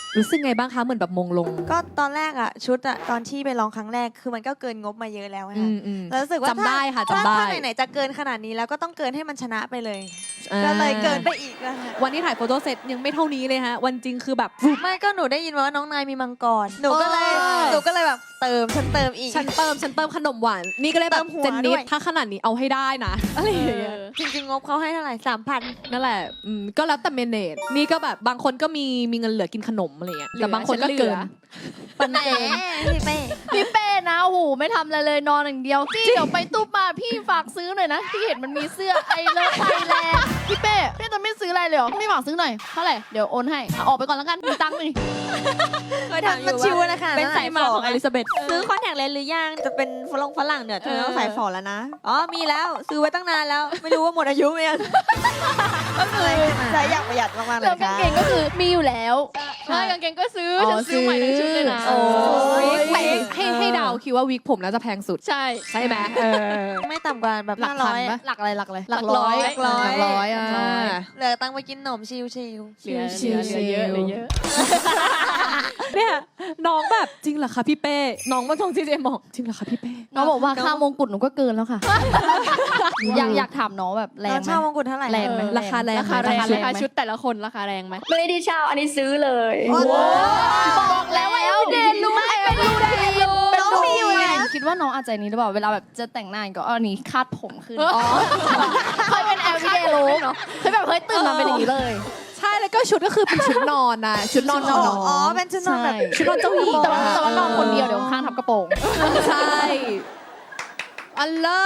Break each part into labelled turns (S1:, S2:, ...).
S1: รู้สึกไงบ้างคะเหมือนแบบมงลง
S2: ก็ตอนแรกอะชุดอะตอนที่ไปลองครั้งแรกคือมันก็เกินงบมาเยอะแล้วค่ะแล้วรู้สึกว่า
S1: จำได้ค่ะจำได้
S2: ถ้าไหนๆจะเกินขนาดนี้แล้วก็ต้องเกินให้มันชนะไปเลยก็เลยเกินไปอีกนะคะ
S1: วันที่ถ่ายโฟโต้เซตยังไม่เท่านี้เลยฮะวันจริงคือแบบ
S2: ไม่ก็หนูได้ยินว่าน้องนายมีมังกรหนูก็เลยแบบเติมฉันเติมอีก
S1: ฉันเติมขนมหวานนี่ก็เลยแบบ
S2: เติมหัว
S1: เจนนิ
S2: ด้
S1: ด
S2: วย
S1: ถ้าขนาดนี้เอาให้ได้นะอะไรอย่างเงี้ย
S2: จริงๆงบเขาให้เท่าไหร่3,000
S1: นั่นแหละก็แล้วแต่เมเนจนี่ก็แบบบางคนก็มีเงินเหลือกินขนมอะไรเงี้ยแต่บางคนก็เกิน
S2: ปันเกินพี่เป้
S3: พี่เป้นะโอ้โหไม่ทำอะไรเลยนอนอย่างเดียวพี่เดี๋ยวไปตู้ปลาพี่ฝากซื้อหน่อยนะพี่เห็นมันมีเสื้อไอเลิฟไทยแลนด์พี่เป้พี่จะไม่ซื้ออะไรเลยเหรอไม่ฝากซื้อหน่อยเท่าไหร่เดี๋ยวโอนให้ออกไปก่อนแล้วกันมีตังค์นี่
S2: เคยถามอยู่ว่าชิวนะคะ
S1: เป็นสายมาของอลิซาเบธ
S2: ซื้อคอนแทคเลนส์หรือยังจะเป็นฝรั่งเนี่ยจะต้องใส่ฝอแล้วนะอ๋อมีแล้วซื้อไว้ตั้งนานแล้วไม่รู้ว่าหมดอายุไหมยังก็คือใช้อย่างประหยัดมากๆเล
S3: แล้ว
S2: ย
S3: กาง
S2: ค่ะ
S3: เกงก็คือมีอยู่แล้วใช่กางเกงก็ซื้อฉันซื้อใหม่ทั้งชุดเลยนะ
S1: โอ้ยให้เดาคิดว่าวิกผมน่าจะแพงสุด
S3: ใช่
S1: ใช่ไหม
S2: ไม่ต่ำกว่าแบบ
S3: หลักพัน
S2: 500
S3: ปะหลักอะไรหลักอะไร
S1: หลักร้อย
S3: หลักร้อยอ่ะ
S2: เหลือตังค์ไปกินขนมชิว
S3: เหลือเยอะเหลือเยอะ
S1: เนี่ยน้องแบบจริงเหรอคะพี่เป้น้องมาทงจีเจบอกจริงเหรอคะพี่เป้
S3: น้องบอกว่าค่ามงกุฎหนูก็เกินแล้วค่ะ อยากถามน้องแบบแรง
S2: แล้ว
S3: ไหม
S2: เช่ามงกุฎเท่าไหร่
S3: แรงไหม
S1: ราคาแรง
S3: ราคาแรง
S1: ไหม
S3: ราคาชุดแต่ละคนราคาแรงไหม
S4: ไม่ได้เช่าอันนี้ซื้อเลย
S3: บอกแล้วว่าเดนรู้เป็นรู้ได้รู้
S2: น้องมีอยู่แล้ว
S3: คิดว่าน้องอาจจะนี้หรือเปล่าเวลาแบบจะแต่งหน้าก็เอานี้คาดผมขึ้นเคยเป็น everyday look เคยแบบเฮ้ยตื่นมาเป็นอย่างนี้เลย
S1: ใช่แล้วก็ชุดก็คือเป็นชุดนอนนะชุดนอนน้อง
S2: อ๋อเป็นชุดนอนแบบ
S1: ชุดนอนเจ้าหญิง
S3: แต่ว่านอนคนเดียวเดี๋ยวข้างทับกระโปรง
S1: ใช่อัลโหล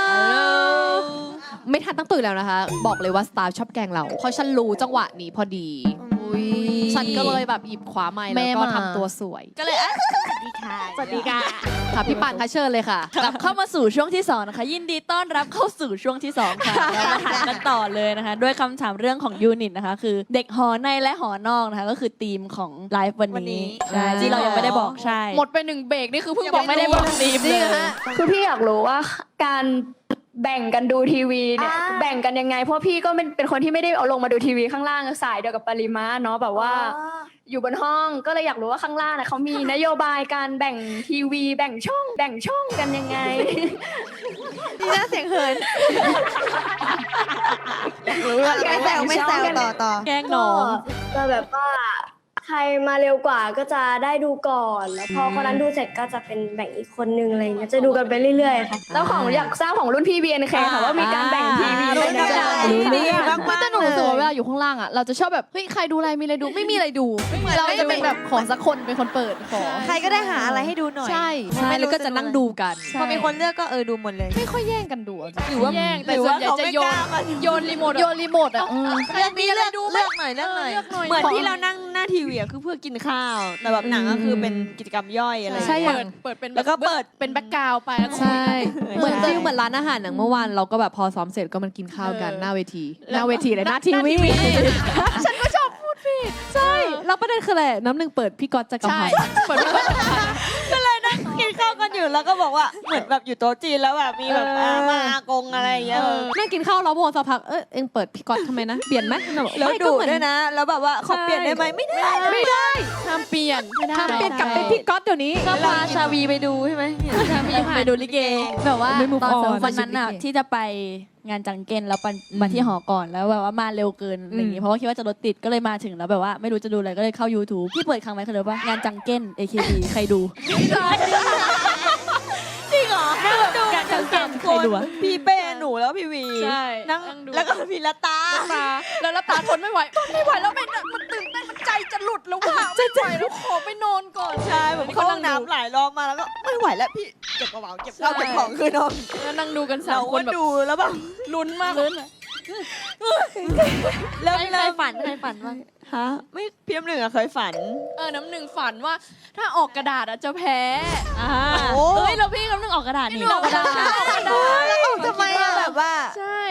S1: ไม่ทันตั้งตื่นแล้วนะคะ บอกเลยว่าสตาร์ชอบแกล้งเราเพราะฉันรู้จังหวะนี้พอดีฉันก็เลยแบบหยิบขวาไม้แล้วก็ทำตัวสวย
S2: ก็เลยสวัสดีค่ะ
S4: สวัสดีค่ะ
S1: ค่ะพี่ป่านคะเชิญเลยค่ะ
S4: กลับเข้ามาสู่ช่วงที่2นะคะยินดีต้อนรับเข้าสู่ช่วงที่2ค่ะแล้วมาถามกันต่อเลยนะคะด้วยคำถามเรื่องของยูนิตนะคะคือเด็กหอในและหอนอกนะคะก็คือธีมของไลฟ์วันนี้ใช่ที่เรายังไม่ได้บอกใช่
S3: หมดไป1เบรกนี่คือเพิ่ง
S4: ยัง
S3: บอก
S4: ไม่ได้บอกธีมเลย
S5: คือพี่อยากรู้ว่าการแบ่งกันดูทีวีเนี่ยแบ่งกันยังไงเพราะพี่ก็เป็นคนที่ไม่ได้เอาลงมาดูทีวีข้างล่างสายเดียวกับปริมาเนาะแบบว่าอยู่บนห้องก็เลยอยากรู้ว่าข้างล่างน่ะเขามีนโยบายการแบ่งทีวีแบ่งช่องกันยังไง
S2: ดีนะเสียงเหินไม่แซวต่อ
S1: แกล้งน้อง
S5: ก็แบบว่าใครมาเร็วกว่าก็จะได้ดูก่อนแล้วพอคนนั้นดูเสร็จก็จะเป็นแบ่งอีกคนนึงอะไรเงี้ยจะดูกันไปเรื่อยๆค่ะแล้วของอยากทราบของรุ่นพี่ BNK ค่ะว่ามีการแบ่งทีวีเป็นยังไง
S2: ดีมากๆ
S3: แต่หนูรู้สึกว่าเวลาอยู่ข้างล่างอ่ะเราจะชอบแบบเฮ้ยใครดูอะไรมีอะไรดูไม่มีอะไรดูเราจะเป็นแบบขอสักคนเป็นคนเปิดขอ
S2: ใครก็ได้หาอะไรให้ดูหน่อย
S3: ใช่
S1: ใช่แล้วก็จะนั่งดูกัน
S2: พอมีคนเลือกก็ดูหมดเลย
S3: ไม่ค่อยแย่งกันดูอะ
S2: หรือว่า
S3: แย่งแต่
S2: หรือ
S3: ส่ว
S2: ว่าน
S3: ใหญ่
S2: เขา
S3: จะ
S2: ไม่
S3: โย
S2: ก
S3: น
S2: ล้ามา
S3: โยนรีโมทอ่ะ
S2: เรื่องนี้เลือกหน่อย
S3: เลือกหน่อย
S2: เหมือนที่เรานั่งหน้าทีวีคือเพื่อกินข้าวแต่แบบหนังก็คือเป็นกิจกรรมย่อยอะไร
S1: ใช่อย่าง
S3: เปิดเป็น
S2: แล้วก็เปิด
S3: เป็นแบ็กกราวด์ไปแล้วก็
S1: ใช่เหมือนฟิลเหมือนร้านอาหารอย่างเมื่อวานเราก็แบบพอซ้อมเสร็จก็มันกินข้าวกันหน้าเวทีเลยหน้าทีวีฉันก็ชอบพูดผิดใช่แล้วประเด็นคืออะไรน้ำหนึ่งเปิดพี่ก๊อตจักร
S3: ใช่
S1: พันธ์
S3: เปิดเป็น
S2: ก็เลยนั่งกินข้าวกันอยู่แล้วก็บอกว่าเหมือนแบบอยู่โต๊ะจีนแล้วแบบมีแบบอามาอากงอะไรอย่างเงี้ย
S1: นั่งกินข้าวแล้วโมสักพักเอ็งเปิดพี่ก๊อตทำไมนะเปลี่ยนไหม
S2: แล้ว
S1: ไม่ก็
S2: ดู
S1: เหมือน
S2: ด้วยนะ แล้วแบบว่าขอเปลี่ยนได้ไหมไม่ได้
S3: ห้ามเปลี่ยนไม่ได้
S1: ทำเปลี่ยนกลับเป็นพี่ก๊อตเดี๋ยวนี้
S4: ก็พาชาวีไปดูใช่ไหมไปดูลิเกแบบว่า
S1: ไม่ move
S4: ตอน
S1: on
S4: วันนั้นน่ะที่จะไปงานจังเก้นแล้วมาที่หอก่อนแล้วแบบว่ามาเร็วเกินอะไรอย่างงี้เพราะว่าคิดว่าจะรถติดก็เลยมาถึงแล้วแบบว่าไม่รู้จะดูอะไรก็เลยเข้า YouTube ที่เปิดครั้งไหมคือว่างานจังเก้น AKB ใครดูจริงเหรอดูงานจังเก้นใครดูอะ
S2: พี่เป้หนูแล้วพี่วี
S3: ใช่
S2: นั่ง
S3: ดู
S2: แล้วก็พี่ละตา
S3: แล้วตาทนไม่ไหวแล้วมันตื่นเต้นมันใจจะหลุดแล้วว่าไม่ไหวแล้วขอไปนอนก่อน
S2: ใช่ผมเข้าห้องน้ำหลายรอบมาแล้วก็ไม่ไหวแล้วพี่เก็บกระเป๋าเก็บข้าวเก็บของคือนอน
S3: แล้วนั่งดูกันสา
S2: เรา
S3: มค
S2: ก็
S3: นแบบ
S2: ดูแล้วแบบ
S3: ลุ้นมากเลย
S2: เริ่ม
S4: ใครฝันบ้าง
S2: ฮะไม่พี่น้ำหนึ่งอะเคยฝัน
S3: น้ำหนึ่งฝันว่าถ้าออกกระดาษอะจะแพ้
S2: โอ้
S4: เฮ้ยเราพี่กำลังออกกระดาษนี่
S3: ออกกระดาษ
S2: แล้วออกทำไมอะแบบว่า
S3: ใช่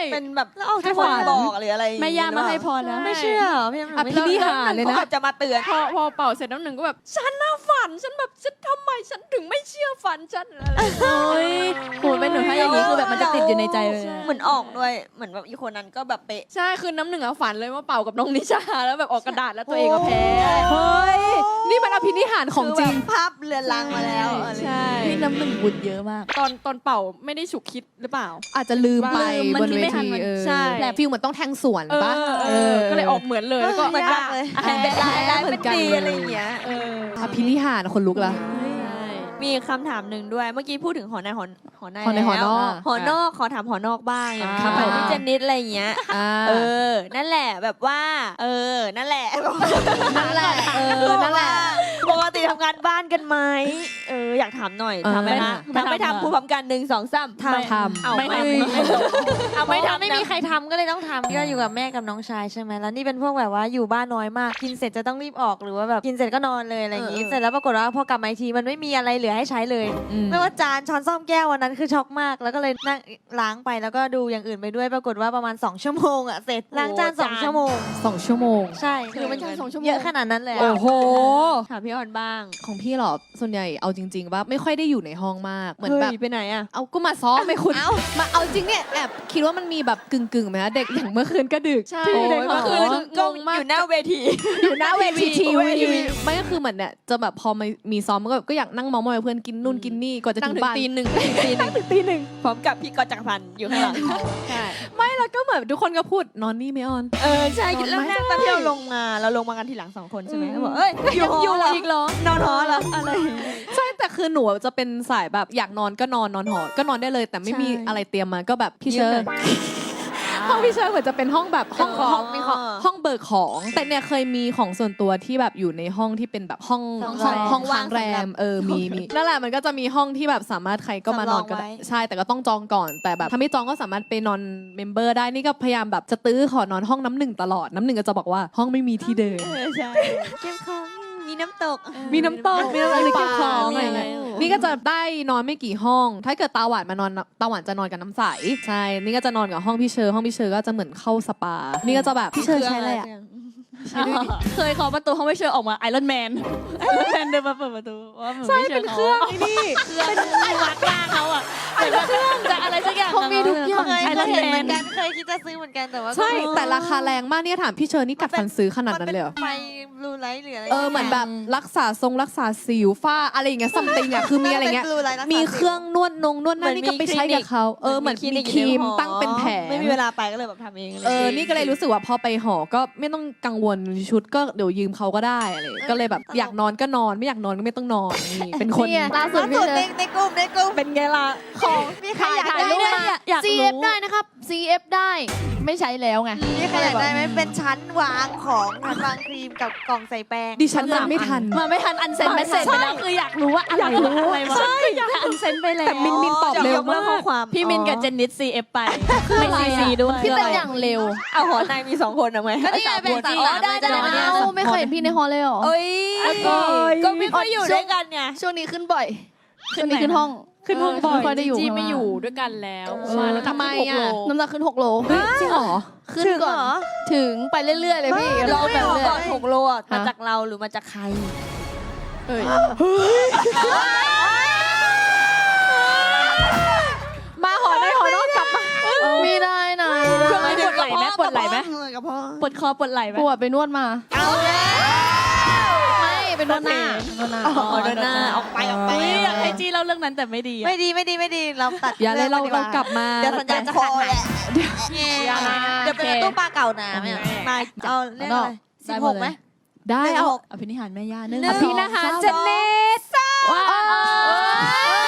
S2: เป็นแบบแล้วเอาที่คนบอกหรืออะไร
S4: แม่ย่ามาให้พรแล้ว
S2: ไม่เชื่อพี่น้ำหนึ่ง
S1: อภินิหารเลยนะ
S2: เขาแบบจะมาเตือน
S3: พอเป่าเสร็จน้ำหนึ่งก็แบบฉันน่าฝันฉันแบบฉันทำไมฉันถึงไม่เชื่อฝันฉันอะไร
S4: โอ้ยโหเป็นหนูถ้าอย่างนี้คือแบบมันจะติดอยู่ในใจเลย
S2: เหมือนออกด้วยเหมือนแบบอีกคนนั้นก็แบบเป๊ะ
S3: ใช่คือน้ำหนึ่งอะฝันเลยว่าเป่ากับน้องนิชาแล้วแบบออกกระดาษแล้วตัวเองก็แพ้
S1: เฮ้ย นี่มันอภินิหารของจริง
S2: คือแบบภาพเรือนรังมาแล้วอะไร
S3: ใช่
S4: พี่น้ำหนึ่งบุญเยอะมาก
S3: ตอนเป่าไม่ได้ฉุกคิดหรือเปล่า
S1: อาจจะลืมไป
S4: มัน
S1: บน
S4: คิด
S1: เว
S4: ไม่ทัน
S1: ที
S4: มัน
S3: ใช่
S1: แต่ฟิลเหมือนต้องแทงสวนปะ
S3: ก็เลยออกเหมือนเลยแล้วก็
S2: เหมือนกันเลยเป็นลายได้เป็นดีอะไรอย่างเงี้ย
S1: อภินิหารคนลุกละ
S2: มีคำถามหนึ่งด้วยเมื่อกี้พูดถึงหอในหอใน
S1: หอในหอนอก
S2: หอนอกขอถามหอนอกบ้างอย่าง
S1: ครับ
S2: ของพี่เจนนิสอะไรอย่างเงี้ย นั่นแหละแบบว่า นั่นแหละ
S1: นั่นแหละนั่นแหละ
S2: ปกติทำงานบ้านกันไหมอยากถามหน่อยทำไหมคะ
S4: ไม่
S2: ทำไม่
S4: ทำ
S2: ทำพูดพร้อมกัน1 2 3
S1: ทำ
S2: เอา
S4: ไม่
S2: ไม่
S4: ทำ
S2: เอาไม่ทำ
S6: ไม่มีใครทำก็เลยต้องทำก็อยู่กับแม่กับน้องชายใช่ไหมแล้วนี่เป็นพวกแบบว่าอยู่บ้านน้อยมากกินเสร็จจะต้องรีบออกหรือว่าแบบกินเสร็จก็นอนเลยอะไรอย่างงี้เสร็จแล้วปรากฏว่าพอกลับมาอีกทีมันไม่มีอะไรเหลือให้ใช้เลย ไม่ว่าจานช้อนส้อมแก้ววันนั้นคือช็อกมาก แล้วก็เลยนั่งล้างไปแล้วก็ดูอย่างอื่นไปด้วยปรากฏว่าประมาณ2 ชั่วโมงอะเสร็จล้างจาน2 ชั่วโมง
S1: 2 ชั่วโมง
S6: ใช่คือมันเยอะขนาดนั้นเลยอะ
S1: โอ้โห
S2: ถามพี่ออนบ้าง
S1: ของพี่เหรอ ส่วนใหญ่เอาจริงๆว่าไม่ค่อยได้อยู่ในห้องมาก เหมือนแบบ
S2: ไปไหนอะ
S1: เอาก็มาซ้อมไปคุณมาเอาจริงเนี่ยแอบคิดว่ามันมีแบบกึ่งๆไหมนะเด็กอย่างเมื่อคืนก็ดึก
S3: ใช่
S1: โอ้ย
S3: เด็ก
S1: เมื่อคืน
S2: กล้องอยู่หน้าเวที
S1: อยู่หน้าเวทีที
S2: เว
S1: วี
S2: ที
S1: ไม่ก็คือเหมือนเนี่ยจะแบบพอมีซ้อมมันก็แบบก็อยากนั่งเมองมอยกับเพื่อนกินนู่นกินนี่ก่อนจะ
S3: นั่
S1: ถึ
S3: ง
S1: ง
S3: ถึง
S1: บ้าน
S3: ตีหนึ่ง
S1: ตีหนึ่ง
S2: พร้อมกับพี่กอจักรพันธ์อยู่ข้างหลัง
S3: ใช่
S1: ไม่แล้วก็เหมือนทุกคนก็พูดนอนนี่ไม่ออน
S2: ใช่แล้วแรกตอนที่เราลงมากันทีหลัง2 คนใช่ไหมเขาบอกเอ้ยอยู่หอเหรอ
S1: อีกเหรอ
S2: นอนหอเหรออะไร
S1: ใช่แต่คือหนูจะเป็นสายแบบอยากนอนก็นอนหอก็นอนได้เลย แต่ไม่มีอะไรเตรียมมาก็แบบพี่เชิญห้องพี่เชิญเหมือนจะเป็นห้องแบบห้องของ
S2: มีของ
S1: ห้องเบิกของ แต่เนี่ยเคยมีของส่วนตัวที่แบบอยู่ในห้องที่เป็นแบบห้องห้องค้างแรมมีนั่นแหละมันก็จะมีห้องที่แบบสามารถใครก็มานอนก็ได้ใช่แต่ก็ต้องจองก่อนแต่แบบถ้าไม่จองก็สามารถไปนอนเมมเบอร์ได้นี่ก็พยายามแบบจะตื้อขอนอนห้องน้ำหนึ่งตลอดน้ำหนึ่งก็จะบอกว่าห้องไม่มีที่เดิน
S2: ใช่เก็บของมีน้ำตก
S1: มีน้ำตกมีอะไรเก็บของ
S2: มี
S1: อะไร
S2: อะไร
S1: เงี้ยนี่ก็จะได้นอนไม่กี่ห้อง ถ้าเกิดตาหวานมานอนตาหวานจะนอนกับน้ำใสใช่นี่ก็จะนอนกับห้องพี่เชอร์ห้องพี่เชอร์ก็จะเหมือนเข้าสปานี่ก็จะแบบพี่เชอร์ใช้อะไรอ่ะ
S4: เคยเคาะประตูห้องไม่เชิญออกมาไอรอนแมนเดินมาเปิดประตูว่าเหมือน
S1: ใช่
S4: ไม่เชิ
S1: เป็
S4: ญ
S1: น
S4: เขา
S1: เครื่องไอ้นี่
S4: เป็นวัดหน้าเขาอ่ะเป็นเครื่องจะอะไรสักอย่าง
S3: เขามีทุกอย่าง
S6: เคย
S4: ไอรอน
S6: เห็น
S4: แม
S6: เหมือน นกันเคยคิดจะซื้อเหมือนกันแต่ว่า
S1: ใช่แต่ราคาแรงมากเนี่ยถามพี่เชอร์นี่กัดฟันซื้อขนาดนั้นเลยเหรอ
S6: ไฟบลูไลท์หรืออะไร
S1: เหมือนแบบรักษาสิวฝ้าอะไรอย่างเงี้ยซัมติงอ่ะคือมีอะไรเงี้ย มีเครื่องนวดนวดหน้านี่ก็ไปใช้กับเขาเหมือนมีครีมตั้งเป็นแผง
S2: ไม่มีเวลาไปก็เลยแบบทำเองเลย
S1: นี่ก็เลยรู้สึกว่าพอไปหอก็ไม่ต้องกังวลชุดก็เดี๋ยวยืมเขาก็ได้อะไรก็เลยแบบอยากนอนก็นอนไม่อยากนอนก็ไม่ต้องนอนนี่เป็นคน
S3: เนี่ยล่าสุดพี่เชิญ
S2: ในกลุ่มเป็นไงล่ะของมีใครอยาก
S4: ถ่าย
S2: ได้
S4: รูป
S2: ไหม
S4: มาอยาก
S3: CF
S4: รู้
S3: ได้นะครับ CF ได้ไม่ใช้แล้วไง
S6: มีใครอยากได้ไหมเป็นชั้นวางของชั้นวางครีมกับกล่องใส่แป้ง
S1: ดิฉันยังไม่ทัน
S4: มาไม่ทันอันเซนเมสเซจไปแล้วคืออยากรู้ว่าอะไรอะไรวะอยากอันเซนไปแล้ว
S1: แต่มินตอบเร็วมาก
S2: ข้อความ
S4: พี่มินกับเจนนิส CF ไปไม่ CC ด้วย
S3: พี่เป็นอย่างเร็ว
S2: เอาหอในมี2 คนเอาไหม
S6: ก็นี่ไงแบ่ง
S2: สาม
S6: สาม
S2: คนได้
S3: เอาไม่เคยเห็นพี่ในฮอลเลยเหรอ
S2: เอ้ยก็ไม่ค่อยอยู่ด้วยกันไง
S3: ช่วงนี้ขึ้นบ่อยช่วงนี้ขึ้นห้อง
S1: ขึ้นห้องบ่อย
S3: ไม่ค่อยได้อยู่
S4: จีไม่อยู่ด้วยกันแล้ว
S1: ทำไมอ่ะ
S3: น้ำหนักขึ้น6 โล
S1: จริงเหรอ
S3: ขึ้นก่อนถึงไปเรื่อยๆเลยพี่
S2: เรา
S3: ไป
S2: ไม่ออก
S3: เรื่
S2: ก่
S3: อ
S2: อน
S3: ย
S2: 6 โลอ่ะมาจากเราหรือมาจากใคร
S3: เอ้ย
S1: มาหอในหอนอกกลับมา
S3: ไม่ได้นะ
S4: ช่วงนี้ปวดไหล่ไหมปวดไหล่ไหม
S2: กับพ่อ
S4: ปวดคอปวดไหล่ไหม
S3: ปวดไปนวดมา
S2: เอาแล้ว
S3: ไม่เป็นนวดหน้า
S2: เดินหน้าออกไป
S4: อยากให้จีเล่าเรื่องนั้นแต่ไม่ดี
S6: ไม่ดีเราตัด
S1: อย่าเลยเรา
S6: องดีว่
S1: กลับมา
S6: เดี๋ยวสัญญาณจะขาดหายเดี๋ยวเป็นตู้ปลาเก่าน้ำเนี่ย
S2: มาเอาเรื่องอะไร
S6: 16ไหม
S1: ได้เอา
S4: อภินิหารแม่ย่าเนื่อง
S1: อภินิหารเจนเนส
S4: ว้าว